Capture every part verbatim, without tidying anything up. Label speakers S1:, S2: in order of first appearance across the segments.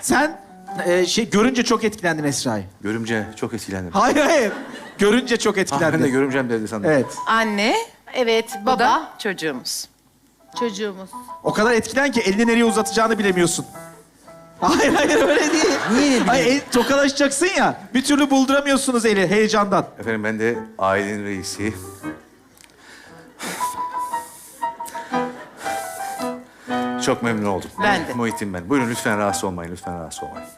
S1: Sen e, şey görünce çok etkilendin Esra'yı.
S2: Görümce çok etkilendim.
S1: Hayır hayır. Görünce çok
S2: Ah,
S1: etkilendin.
S2: ben de görümcem dedi sandım.
S1: Evet.
S3: Anne,
S4: Evet,
S3: bu
S4: baba,
S3: da çocuğumuz.
S4: çocuğumuz.
S1: O kadar etkilen ki elini nereye uzatacağını bilemiyorsun. Hayır hayır öyle değil.
S2: Niye?
S1: Hayır el, tokalaşacaksın ya. Bir türlü bulduramıyorsunuz eli heyecandan.
S2: Efendim ben de ailenin reisi. Çok memnun oldum.
S3: Ben de.
S2: Muhittin ben. Buyurun lütfen rahatsız olmayın, lütfen rahatsız olmayın.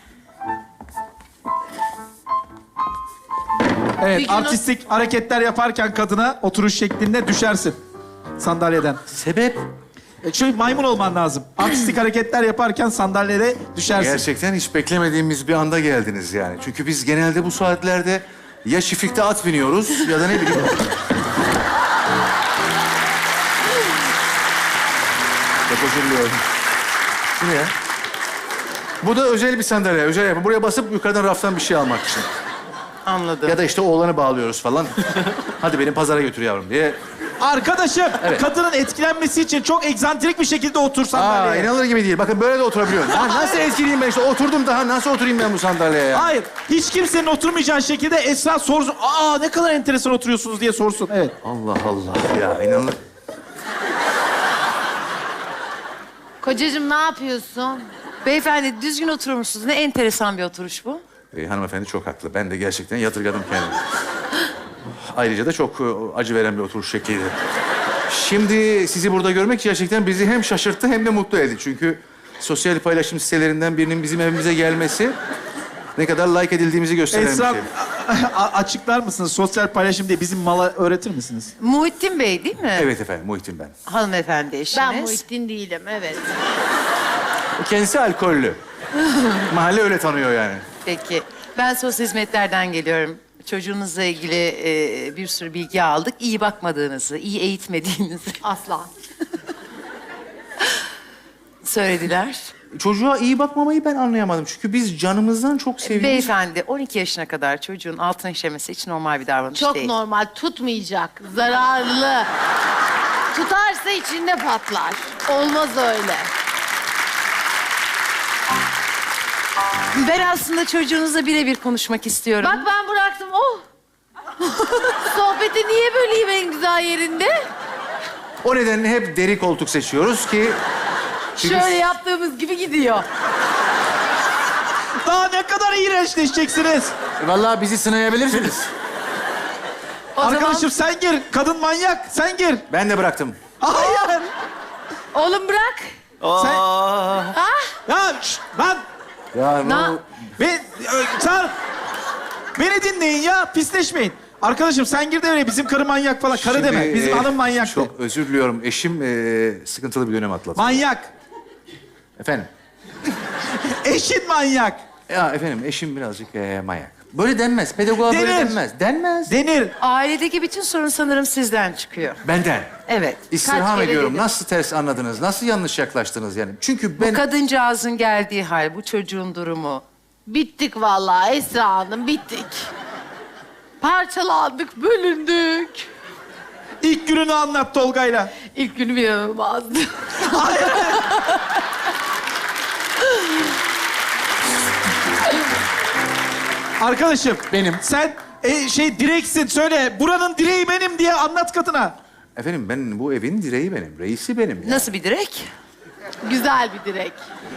S1: Evet
S4: Bir gün o-
S1: artistik hareketler yaparken kadına oturuş şeklinde düşersin sandalyeden.
S2: Sebep?
S1: E, şöyle maymun olman lazım. Artistik hareketler yaparken sandalyede düşersin.
S2: Gerçekten hiç beklemediğimiz bir anda geldiniz yani. Çünkü biz genelde bu saatlerde ya çiftlikte at biniyoruz ya da ne bileyim... Çok özür diliyorum. Bu ne ya? Bu da özel bir sandalye, özel yapı. Buraya basıp yukarıdan raftan bir şey almak için.
S3: Anladım.
S2: Ya da işte oğlanı bağlıyoruz falan. Hadi beni pazara götür yavrum diye.
S1: Arkadaşım
S2: Evet.
S1: kadının etkilenmesi için çok egzantrik bir şekilde otur
S2: Aa,
S1: sandalyeye.
S2: inanılır gibi değil. Bakın böyle de oturabiliyorum. Ha, nasıl etkileyim ben işte? Oturdum daha. Nasıl oturayım ben bu sandalyeye ya?
S1: Hayır, hiç kimsenin oturmayacağı şekilde Esra sorsun. Aa ne kadar enteresan oturuyorsunuz diye sorsun. Evet.
S2: Allah Allah ya inanılır.
S4: Kocacığım ne yapıyorsun?
S3: Beyefendi düzgün oturur musunuz? Ne enteresan bir oturuş bu.
S2: Ee, hanımefendi çok haklı. Ben de gerçekten yadırgadım kendimi. Ayrıca da çok e, acı veren bir oturuş şekliydi. Şimdi sizi burada görmek gerçekten bizi hem şaşırttı hem de mutlu etti. Çünkü sosyal paylaşım sitelerinden birinin bizim evimize gelmesi ne kadar like edildiğimizi gösteren
S1: Esra
S2: bir şey.
S1: a- a- açıklar mısınız? Sosyal paylaşım diye bizim mala öğretir misiniz?
S3: Muhittin Bey değil mi?
S2: Evet efendim, Muhittin ben.
S3: Hanımefendi eşiniz.
S4: Ben Muhittin değilim, evet.
S2: Kendisi alkollü. Mahalle öyle tanıyor yani.
S3: Peki. Ben sosyal hizmetlerden geliyorum. Çocuğunuzla ilgili e, bir sürü bilgi aldık. İyi bakmadığınızı, iyi eğitmediğinizi
S4: Asla.
S3: söylediler.
S2: Çocuğa iyi bakmamayı ben anlayamadım. Çünkü biz canımızdan çok seviyoruz.
S3: Beyefendi on iki yaşına kadar çocuğun altına işemesi hiç normal bir davranış
S4: Çok
S3: değil.
S4: normal, tutmayacak, zararlı. Tutarsa içinde patlar. Olmaz öyle.
S3: Ben aslında çocuğunuzla birebir konuşmak istiyorum.
S4: Bak ben bıraktım, oh! Sohbeti niye böleyim en güzel yerinde?
S2: O nedenle hep deri koltuk seçiyoruz ki... Çünkü
S4: Şöyle yaptığımız gibi gidiyor.
S1: Daha ne kadar iğrençleşeceksiniz?
S2: Vallahi bizi sınayabilirsiniz.
S3: O
S1: Arkadaşım
S3: zaman
S1: sen gir. Kadın manyak. Sen gir.
S2: Ben de bıraktım.
S1: Hayır.
S4: Oğlum bırak.
S1: Sen... Ya şşt, lan.
S2: Ya
S4: Na-
S2: bu...
S1: Be, ö, sen... Beni dinleyin ya. Pisleşmeyin. Arkadaşım sen gir de öyle bizim karı manyak falan. Karı
S2: Şimdi,
S1: deme. Bizim
S2: e,
S1: hanım manyak de.
S2: Çok özür diliyorum. Eşim e, sıkıntılı bir dönem atlattı.
S1: Manyak.
S2: Efendim?
S1: Eşin manyak.
S2: Ya efendim eşim birazcık e, manyak. Böyle denmez. Pedagoğa böyle
S1: Denir.
S2: denmez. Denmez.
S1: Denir.
S3: ailedeki bütün sorun sanırım sizden çıkıyor.
S2: Benden.
S3: Evet.
S2: İstirham
S4: kere
S2: ediyorum.
S4: dedim.
S2: Nasıl ters anladınız? Nasıl yanlış yaklaştınız yani? Çünkü ben...
S3: Bu kadıncağızın geldiği hal, bu çocuğun durumu.
S4: Bittik vallahi Esra Hanım, bittik. Parçalandık, bölündük.
S1: İlk gününü anlat Tolga'yla.
S4: İlk günüm inanılmazdı.
S1: Arkadaşım.
S2: Benim.
S1: Sen e, şey direksin. Söyle. Buranın direği benim diye anlat kadına.
S2: Efendim ben bu evin direği benim. Reisi benim. Ya.
S3: Nasıl bir direk?
S4: Güzel bir direk.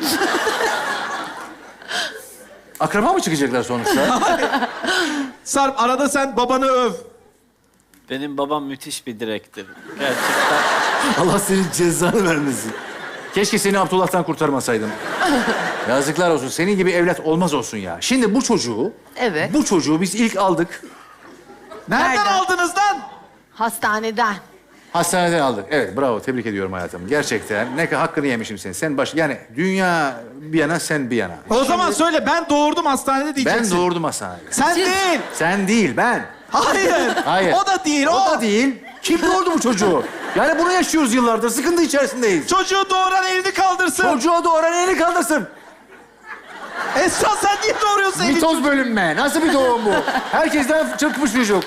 S2: Akraba mı çıkacaklar sonuçta?
S1: Sarp arada sen babanı öv.
S5: Benim babam müthiş bir direktir. Gerçekten.
S2: Allah senin cezanı vermesin. Keşke seni Abdullah'tan kurtarmasaydım. Yazıklar olsun. Senin gibi evlat olmaz olsun ya. Şimdi bu çocuğu...
S3: Evet.
S2: Bu çocuğu biz ilk aldık.
S1: Nereden,
S3: Nereden?
S1: aldınız lan?
S4: Hastaneden.
S2: Hastaneden aldık. Evet, bravo. Tebrik ediyorum hayatım. Gerçekten ne kadar hakkını yemişim senin. Sen baş... Yani dünya bir yana, sen bir yana.
S1: O zaman söyle ben doğurdum hastanede
S2: Ben
S1: diyeceksin.
S2: doğurdum hastanede.
S1: Sen
S3: Siz-
S1: değil.
S2: Sen değil, ben.
S1: Hayır.
S2: Hayır.
S1: O da değil. O,
S2: O da değil. Kim doğurdu bu çocuğu? Yani bunu yaşıyoruz yıllardır. Sıkıntı içerisindeyiz.
S1: Çocuğu doğuran elini kaldırsın.
S2: Çocuğa doğuran elini kaldırsın.
S1: Esra sen niye doğuruyorsun elini?
S2: Mitoz bölünme. Nasıl bir doğum bu? Herkesten çıkmış çocuk.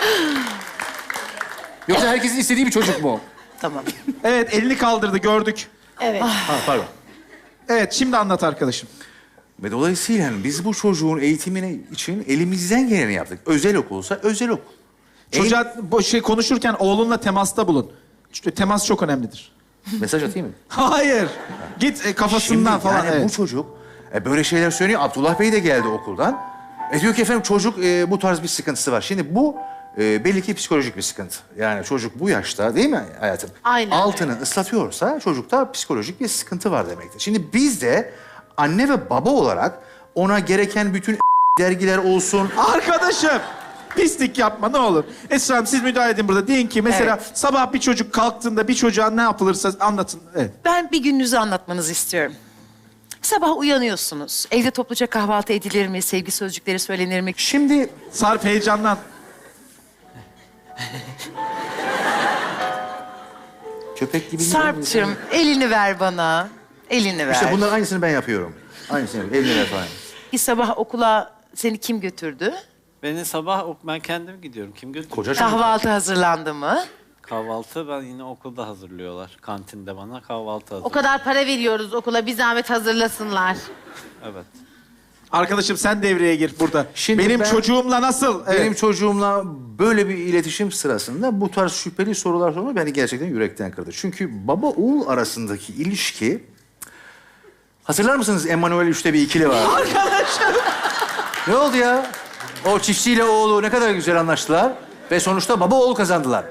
S2: Yoksa herkesin istediği bir çocuk mu?
S3: Tamam.
S1: Evet elini kaldırdı gördük.
S4: Evet.
S2: Ha, pardon.
S1: Evet şimdi anlat arkadaşım.
S2: Ve dolayısıyla biz bu çocuğun eğitimine için elimizden geleni yaptık. Özel okulsa özel okul.
S1: Çocuğa bu şey konuşurken oğlunla temasta bulun. Çünkü temas çok önemlidir.
S2: Mesaj atayım mı?
S1: Hayır. Git e, kafasından
S2: Şimdi
S1: falan.
S2: yani
S1: evet.
S2: bu çocuk e, böyle şeyler söylüyor. Abdullah Bey de geldi okuldan. E, diyor ki efendim çocuk e, bu tarz bir sıkıntısı var. Şimdi bu e, belli ki psikolojik bir sıkıntı. Yani çocuk bu yaşta değil mi hayatım?
S4: Aynen.
S2: Altını ıslatıyorsa çocukta psikolojik bir sıkıntı var demektir. Şimdi biz de anne ve baba olarak ona gereken bütün dergiler olsun.
S1: Arkadaşım pislik yapma ne olur. Esra Hanım siz müdahale edin burada. Deyin ki mesela
S3: Evet.
S1: sabah bir çocuk kalktığında bir çocuğa ne yapılırsa anlatın. Evet.
S3: Ben bir gününüzü anlatmanızı istiyorum. Sabah uyanıyorsunuz. Evde topluca kahvaltı edilir mi? Sevgi sözcükleri söylenir mi?
S2: Şimdi
S1: Sarp heyecanlan.
S2: köpek gibi...
S3: Sarp'cığım elini ver bana. Elini ver.
S2: İşte bunların aynısını ben yapıyorum. Aynısını yapıyorum. Eline ver falan.
S3: Bir sabah okula seni kim götürdü?
S5: Beni sabah ok- ben kendim gidiyorum. Kim götürüyor?
S2: Koca çocuk.
S3: Kahvaltı hazırlandı mı?
S5: Kahvaltı ben yine okulda hazırlıyorlar. Kantinde bana kahvaltı
S4: O
S5: hazırlıyor.
S4: kadar para veriyoruz okula, bir zahmet hazırlasınlar.
S5: Evet.
S1: Arkadaşım sen devreye gir burada.
S2: Şimdi
S1: Benim
S2: ben-
S1: çocuğumla nasıl? Evet.
S2: Benim çocuğumla böyle bir iletişim sırasında bu tarz şüpheli sorular sorma beni gerçekten yürekten kırdı. Çünkü baba oğul arasındaki ilişki... Hatırlar mısınız Emanuel Üç'te bir ikili var.
S1: Arkadaşım.
S2: Ne oldu ya? O çiftçiyle oğlu ne kadar güzel anlaştılar. Ve sonuçta baba oğul kazandılar.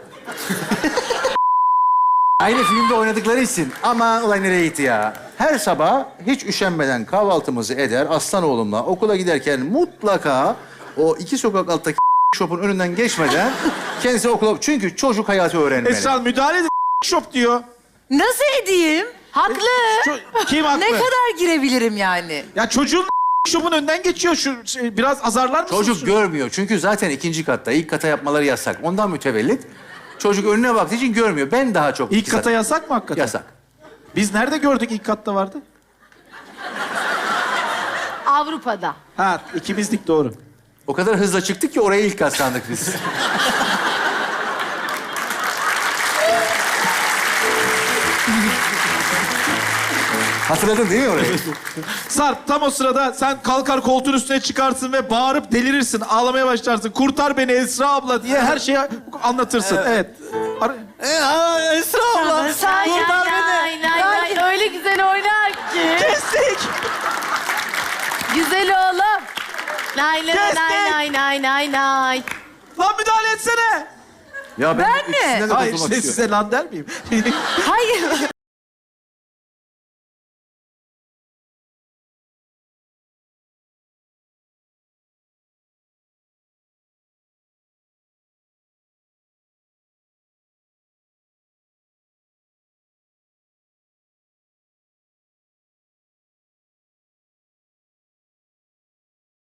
S2: Aynı filmde oynadıkları için. Ama olay nereye gitti ya? Her sabah hiç üşenmeden kahvaltımızı eder. Aslan oğlumla okula giderken mutlaka o iki sokak alttaki shop'un önünden geçmeden kendisi okula... Çünkü çocuk hayatı öğrenmeli.
S1: Esra Hanım müdahale edin. Shop diyor.
S3: Nasıl edeyim? Haklı.
S1: Ço- Kim haklı?
S3: Ne kadar girebilirim yani?
S1: Ya çocuğun shop'un önünden geçiyor. Şu şey, biraz azarlar mısınız?
S2: Çocuk görmüyor. Çünkü zaten ikinci katta. İlk kata yapmaları yasak. Ondan mütevellit. Çocuk önüne baktığı için görmüyor. Ben daha çok...
S1: İlk kata yasak mı hakikaten?
S2: Yasak.
S1: Biz nerede gördük ilk katta vardı?
S4: Avrupa'da.
S1: Ha ikimizdik doğru.
S2: O kadar hızla çıktık ki oraya ilk kat sandık biz. Hatırladın değil mi orayı?
S1: Sarp tam o sırada sen kalkar koltuğun üstüne çıkarsın ve bağırıp delirirsin. Ağlamaya başlarsın. Kurtar beni Esra abla diye her şeyi anlatırsın. Evet. Ar-
S5: Esra abla.
S4: Ay, ay, ay, ay, ay, öyle güzel oynar ki.
S1: Kestik.
S4: Güzel oğlum. Lay lay
S1: Kestik.
S4: lay lay lay lay lay.
S1: Lan müdahale etsene.
S2: Ya
S3: Ben mi?
S2: ikisinden de
S1: Hayır
S2: kurtulmak
S1: işte
S2: istiyorum.
S1: size lan der miyim?
S3: Hayır.